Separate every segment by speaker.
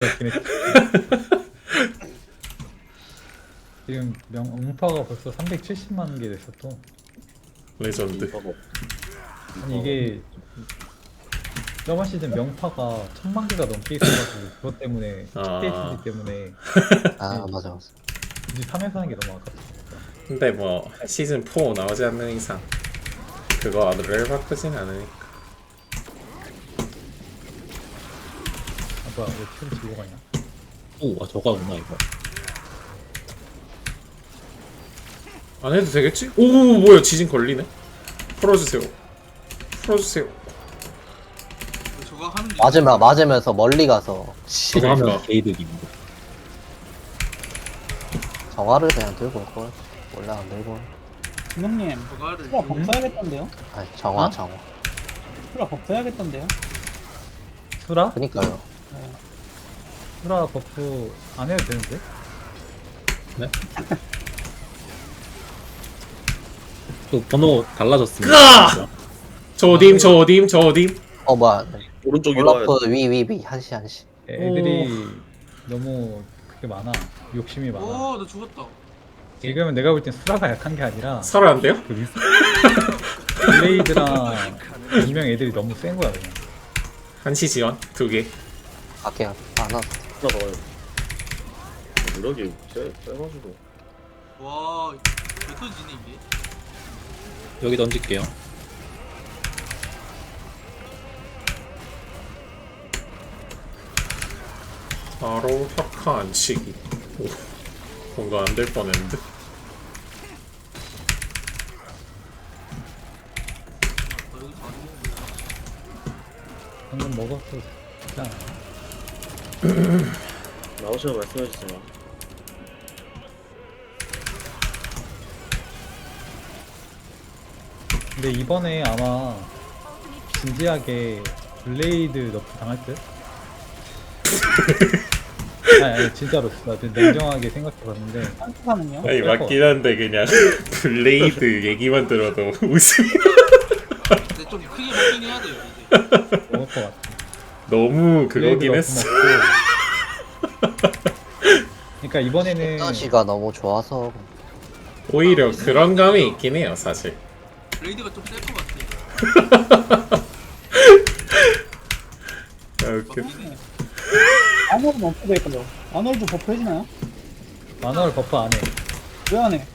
Speaker 1: 그렇긴 했지. 지금 음파가 벌써 370만 개 됐어 또.
Speaker 2: 레전드.
Speaker 1: 아니 이게 저번 시즌 명파가 1000만 개가 넘게 있어가지고 그것 때문에 THD 때문에
Speaker 3: 아 맞아 맞아.
Speaker 1: 굳이 3에서 하는 게 너무 아깝다.
Speaker 2: 근데 뭐 시즌 4 나오지 않는 이상 그거를 바꾸진 않으니까.
Speaker 1: 아 뭐야 왜 큐를 들고 가냐?
Speaker 4: 오, 저거구나 이거.
Speaker 2: 안 해도 되겠지? 오 뭐야 지진 걸리네. 풀어주세요. 풀어주세요.
Speaker 5: 저거 하는 게
Speaker 3: 맞으면서 멀리 가서
Speaker 4: 저거 하면
Speaker 2: 그러니까.
Speaker 4: 게이득입니다.
Speaker 3: 정화를 그냥 들고 올 걸. 원래 안 들고. 올.
Speaker 6: 김영님
Speaker 5: 저거를
Speaker 6: 풀라 법사야겠던데요?
Speaker 3: 아니 정화
Speaker 1: 어?
Speaker 3: 정화.
Speaker 6: 풀라 법사야겠던데요?
Speaker 1: 수라?
Speaker 3: 그니까요.
Speaker 1: 수라 버프 안 해도 되는데?
Speaker 4: 또 번호 달라졌습니다.
Speaker 2: 저 어dim저 어dim 저 어dim.
Speaker 3: 어 뭐야.
Speaker 7: 오른쪽으로 와야
Speaker 3: 올라프 위 한시 한시.
Speaker 1: 애들이 너무 그게 많아. 욕심이 많아.
Speaker 5: 오너 죽었다.
Speaker 1: 지금은 내가 볼 땐 수라가 약한 게 아니라
Speaker 2: 살아난대요?
Speaker 1: 그 블레이드랑 이명 애들이 너무 센 거야 그냥.
Speaker 2: 한시 지원 2개.
Speaker 3: 밖에 안 와서.
Speaker 7: 하나 더 와요. 무력이 세가지고.
Speaker 5: 와 몇 터지네 이게.
Speaker 4: 여기 던질게요.
Speaker 2: 바로 혁화 안치기. 오, 뭔가 안 될 뻔했는데.
Speaker 5: 여기 다
Speaker 1: 방금 먹었어. 진짜.
Speaker 7: 나오시면 말씀해주세요.
Speaker 1: 근데 이번에 아마 진지하게 블레이드 너프 당할 듯? 아니 진짜로 나 좀 냉정하게 생각해봤는데
Speaker 6: 한투사는요?
Speaker 2: 아니 맞긴 한데 그냥 블레이드 얘기만 들어도 웃음이
Speaker 5: 근데 좀 크게 먹긴 해야 돼요 이제.
Speaker 1: 먹을 것 같아.
Speaker 2: 너무
Speaker 1: 블레이드
Speaker 2: 그거긴
Speaker 1: 너프
Speaker 2: 했어.
Speaker 1: 먹고. 그러니까 이번에는
Speaker 3: 시가 너무 좋아서.
Speaker 2: 오히려 그런 감이 있긴 해요 사실.
Speaker 5: 블레이드가 좀 셀 것 같아.
Speaker 2: 아, 웃겨.
Speaker 6: 아놀은 어떻게 될까요? 아놀도 버프 해주나요?
Speaker 1: 만화를 버프 안 해.
Speaker 6: 왜 안 해?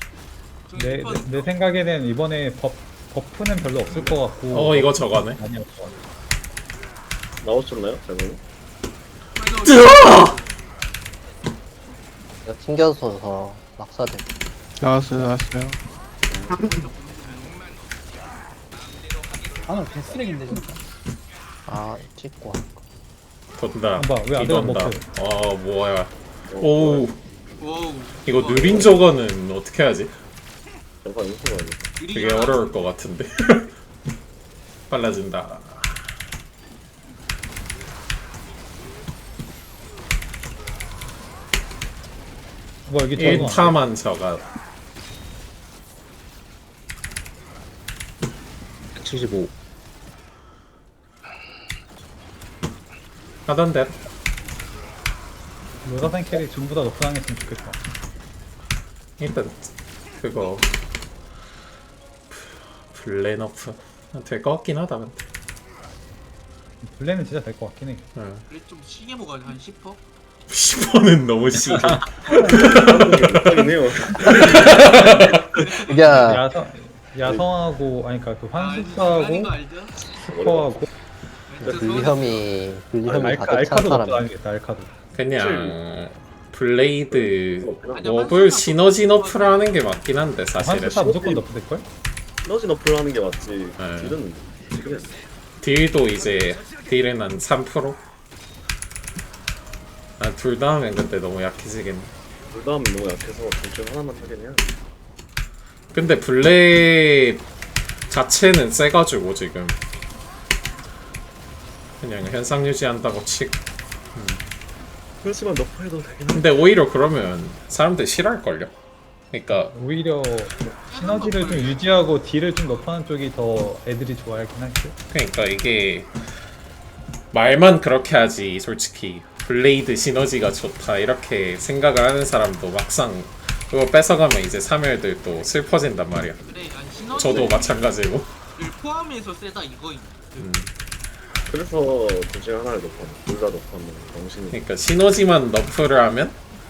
Speaker 1: 내 생각에는 이번에 버프는 별로 없을 것 같고.
Speaker 2: 이거 저거네.
Speaker 1: 많이 없을 것 같아.
Speaker 7: 나오셨나요? 잘못.
Speaker 3: 이거 튕겨서 낙사돼.
Speaker 8: 나왔어요.
Speaker 6: 아놀 개쓰레기인데 진짜.
Speaker 3: 아 찍고 와.
Speaker 2: 돈다.
Speaker 1: 봐봐, 왜안 들어가,
Speaker 2: 이건다.
Speaker 1: 먹고.
Speaker 2: 뭐야. 오
Speaker 5: 와우.
Speaker 2: 이거 느린 저거는 어떻게 하지?
Speaker 7: 잠깐 인수가 아니야.
Speaker 2: 되게 어려울 것 같은데. 빨라진다.
Speaker 1: 뭐 여기 적응 안 돼.
Speaker 2: 1타만 저가
Speaker 4: 175.
Speaker 2: 하던데.
Speaker 1: 로다산 캐릭 전부 다 너프 당했으면 좋겠다.
Speaker 2: 일단 그거 블레너프 될 것 같긴 하다 근데.
Speaker 1: 블레는 진짜 될 것 같긴 해.
Speaker 2: 응.
Speaker 5: 그래 좀 시게 먹어야 한 10퍼?
Speaker 2: 10번은 너무 심해.
Speaker 7: 하긴 해요.
Speaker 3: 이게
Speaker 1: 야성하고 아니 그러니까 그
Speaker 5: 아닌
Speaker 1: 환숙사하고
Speaker 5: 거 알죠?
Speaker 1: 스코어하고
Speaker 3: 불혐이 가득 찬
Speaker 1: 알카도 너프
Speaker 3: 사람.
Speaker 1: 아니겠다. 알카도.
Speaker 2: 그냥 블레이드 워블 시너지 너프라는 게 맞긴 한데 사실은
Speaker 1: 환숙사 무조건 너프 될 걸?
Speaker 7: 시너지 너프를 하는 게 맞지.
Speaker 2: 네.
Speaker 7: 딜은 지금
Speaker 2: 딜도 이제 딜은 한 3%? 둘 다 하면 근데 너무 약해지겠네.
Speaker 7: 불담이 너무 약해서 둘중 하나만 하긴 해야 돼.
Speaker 2: 근데 블레 자체는 세가지고 지금 그냥 현상 유지한다고 치고.
Speaker 7: 그렇지만 너프해도 되긴 한데.
Speaker 2: 근데 오히려 그러면 사람들 싫어할걸요? 그러니까
Speaker 1: 오히려 시너지를 좀 유지하고 딜을 좀 높아하는 쪽이 더 애들이 좋아하긴 하지.
Speaker 2: 그러니까 이게 말만 그렇게 하지 솔직히 블레이드 시너지가 좋다 이렇게 생각을 하는 사람도 막상 그거 뺏어가면 이제 사멸들도 슬퍼진단 말이야.
Speaker 5: 그래 아니 시너지를
Speaker 2: 저도 마찬가지고.
Speaker 5: 포함해서 세다 이거임.
Speaker 7: 그래서 둘 중에 하나를 넣고 둘다 넣고 하면 정신이.
Speaker 2: 그러니까 시너지만 너프를 하면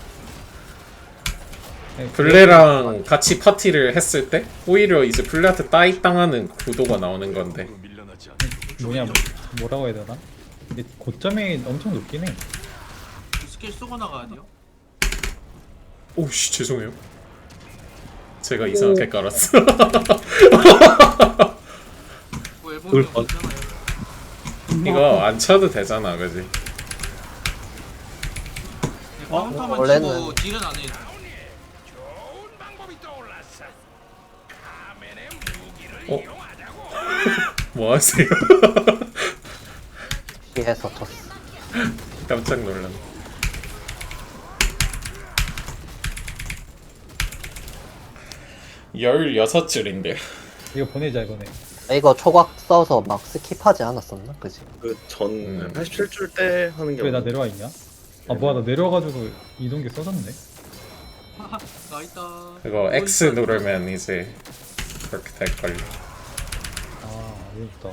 Speaker 1: 네,
Speaker 2: 블레랑 같이 파티를 했을 때 오히려 이제 블레한테 따익 당하는 구도가 나오는 건데.
Speaker 1: 뭐냐 뭐라고 해야 되나? 근데 고점이 엄청 높긴 해.
Speaker 5: 스킬 쏘고 나가야 돼요.
Speaker 2: 오씨 죄송해요. 제가 이상하게 깔았어.
Speaker 5: 뭐 앨범이
Speaker 4: 그럴 뻔.
Speaker 5: 없잖아요.
Speaker 2: 이거 안 쳐도 되잖아, 그지?
Speaker 5: 네, 카운터만
Speaker 3: 원래는-
Speaker 5: 치고 딜은 안 해.
Speaker 2: 어? 뭐 하세요?
Speaker 3: 피해서 쳤어.
Speaker 2: 깜짝 놀랐네. (16) 줄인데.
Speaker 1: 이거 보내자 이번에.
Speaker 3: 이거 초각 써서 막 스킵하지 않았었나? 그지?
Speaker 7: 그전 87줄 때 하는 게
Speaker 1: 왜 나
Speaker 7: 맞나?
Speaker 1: 내려와 있냐? 아 뭐야 나 내려와가지고 이동기 써졌네.
Speaker 5: 나 있다.
Speaker 2: 이거 X 누르면 이제 그렇게 될걸요.
Speaker 1: 아 어렵다.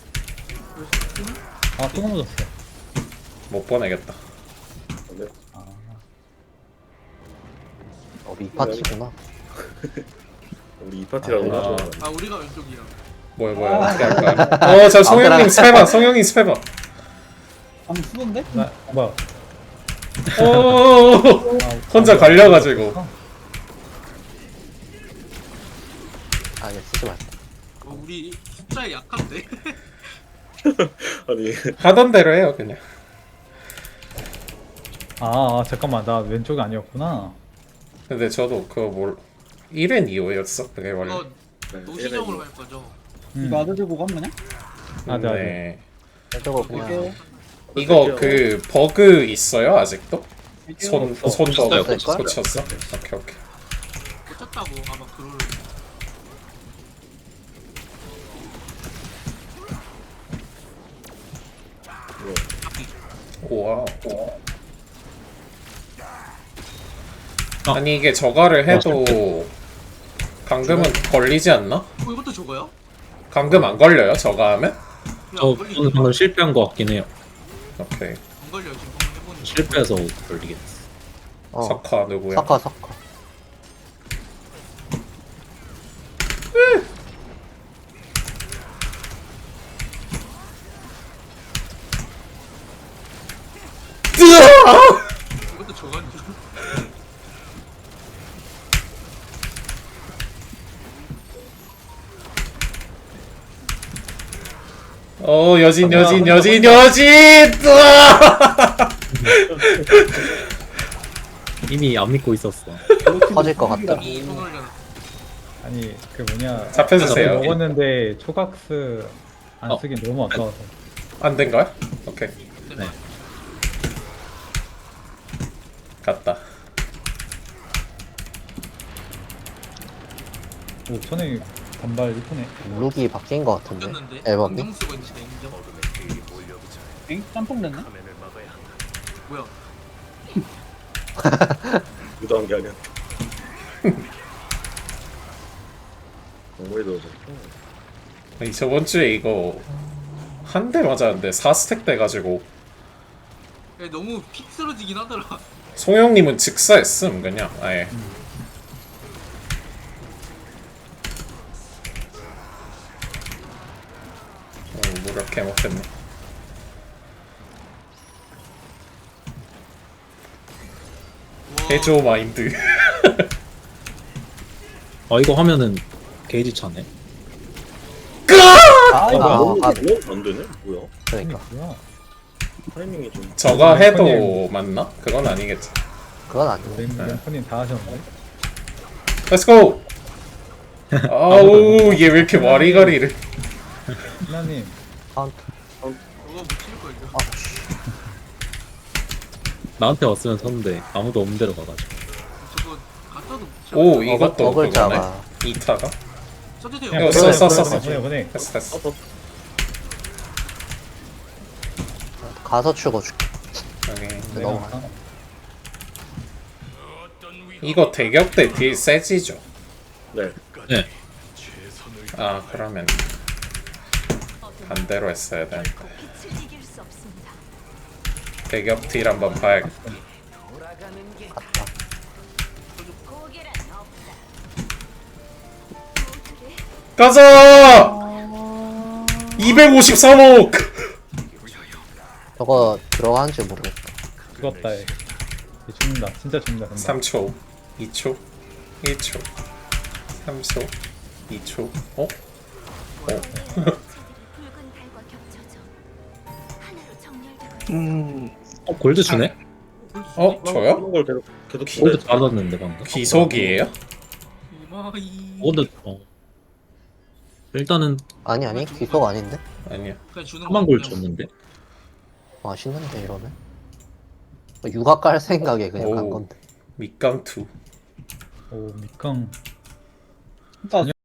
Speaker 1: 아또 넘어졌어.
Speaker 2: 못 보내겠다.
Speaker 7: 네.
Speaker 1: 아
Speaker 3: 미파티구나.
Speaker 7: 우리 이 파티라고
Speaker 2: 아.
Speaker 7: 하죠.
Speaker 5: 아 우리가 왼쪽이야.
Speaker 2: 뭐야 어떻게 할까요? 저 송영님 스페바, 송영님 스페바.
Speaker 6: 방금 쓰던데?
Speaker 1: 나 뭐야?
Speaker 2: 오
Speaker 1: 아,
Speaker 2: 혼자
Speaker 1: 뭐야.
Speaker 2: 갈려가지고.
Speaker 3: 아 이거 쓰지 말자.
Speaker 5: 우리 숫자에 약한데.
Speaker 7: 아니
Speaker 2: 하던 대로 해요 그냥.
Speaker 1: 잠깐만 나 왼쪽이 아니었구나.
Speaker 2: 근데 저도 그거 뭘 1엔 2호였어 그게 원래.
Speaker 5: 이거 노시정으로 할 거죠.
Speaker 6: 이거 아들 들고 간 거냐?
Speaker 1: 아네.
Speaker 2: 네.
Speaker 3: 저거 그냥
Speaker 6: 이게
Speaker 2: 이거 그 버그 있어요 아직도? 손
Speaker 4: 고쳤어요,
Speaker 2: 버그
Speaker 3: 고쳤어요.
Speaker 2: 고쳤어? 오케이.
Speaker 5: 꽂혔다고 아마 그걸.
Speaker 2: 우와. 아니 이게 저거를 해도 감금은 걸리지 않나?
Speaker 5: 이것도 저거요?
Speaker 2: 감금 안 걸려요 저거 하면?
Speaker 4: 저는 방금 실패한 것 같긴 해요.
Speaker 2: 오케이.
Speaker 5: 안 걸려 지금 한번 해보니.
Speaker 4: 실패해서 걸리겠어.
Speaker 2: 석화 누구야?
Speaker 3: 석화 석화.
Speaker 5: 이것도 저건 줄.
Speaker 2: 여진 으아!
Speaker 4: 이미 안 믿고 있었어.
Speaker 3: 터질 것 같다.
Speaker 5: 손 올려놔.
Speaker 1: 아니 그 뭐냐.
Speaker 2: 잡혀주세요.
Speaker 1: 먹었는데 초각스 안
Speaker 4: 어.
Speaker 1: 쓰긴 너무 아까워서.
Speaker 2: 안 된 거야? 오케이.
Speaker 4: 네.
Speaker 2: 갔다.
Speaker 1: 오 천에 단발 이쁘네.
Speaker 3: 룩이 바뀐 것 같은데.
Speaker 5: 꽂혔는데.
Speaker 3: 앨범이?
Speaker 5: 안경 쓰고 있는데 인정.
Speaker 6: 엥? 짬뽕 됐네?
Speaker 5: 뭐야?
Speaker 7: 유도한 게 아니야. 정말이 넣어줬어.
Speaker 2: 아니, 저번 주에 이거 한 대 맞았는데 4스택 돼가지고
Speaker 5: 야, 너무 픽 쓰러지긴 하더라.
Speaker 2: 송영님은 직사했음 그냥 아예. 무력해 못했네.
Speaker 5: 와,
Speaker 2: 해줘 마인드.
Speaker 4: 이거 하면은 게이지 차네.
Speaker 6: 아 이거
Speaker 3: 아,
Speaker 7: 너무
Speaker 3: 아.
Speaker 7: 안 되네? 뭐야?
Speaker 3: 그러니까
Speaker 1: 뭐야?
Speaker 7: 타이밍이 좀.
Speaker 2: 저거 해도 맞나? 그건 아니겠지.
Speaker 3: 그건 아니네.
Speaker 1: 램프님 다 하셨는데.
Speaker 2: Let's go. 아우 얘 왜 이렇게 와리가리를.
Speaker 1: 하나님
Speaker 3: 카운트.
Speaker 5: 그거 못 칠걸 이거.
Speaker 3: 아,
Speaker 4: 나한테 왔으면 섰는데 아무도 없는 데로 가가지고.
Speaker 5: 저거 갖다도 못 쳐.
Speaker 2: 오 이것도 그거네.
Speaker 3: 어글자가.
Speaker 2: 이타가.
Speaker 5: 써도 돼요.
Speaker 2: 이거 써.
Speaker 1: 보내.
Speaker 2: 됐어.
Speaker 3: 가서 추고 줄게.
Speaker 2: 여기
Speaker 3: 근데 너무 많아.
Speaker 2: 이거 대격 때 딜 세지죠?
Speaker 7: 네.
Speaker 4: 네.
Speaker 2: 아 그러면 반대로 했어야 되는데 대격 딜 한번 봐야겠다. 가자! 253억!
Speaker 3: 저거 들어가는지 모르겠다.
Speaker 1: 죽었다 얘. 얘 죽는다. 진짜 죽는다. 근데.
Speaker 2: 3초, 2초, 1초, 3초, 2초. 어?
Speaker 4: 골드 주네?
Speaker 2: 저요?
Speaker 7: 그런 걸 계속
Speaker 4: 골드 받았는데 방금.
Speaker 2: 귀속이에요?
Speaker 5: 이마이.
Speaker 4: 골드 일단은
Speaker 3: 아니 귀속 아닌데?
Speaker 2: 아니요.
Speaker 5: 그냥 주는
Speaker 4: 4만 골
Speaker 5: 그냥.
Speaker 4: 줬는데.
Speaker 3: 맛있는데 이러면? 육아 깔 생각에 그냥 간
Speaker 2: 오.
Speaker 3: 건데.
Speaker 2: 밑강2.
Speaker 1: 오 밑강.
Speaker 6: 일단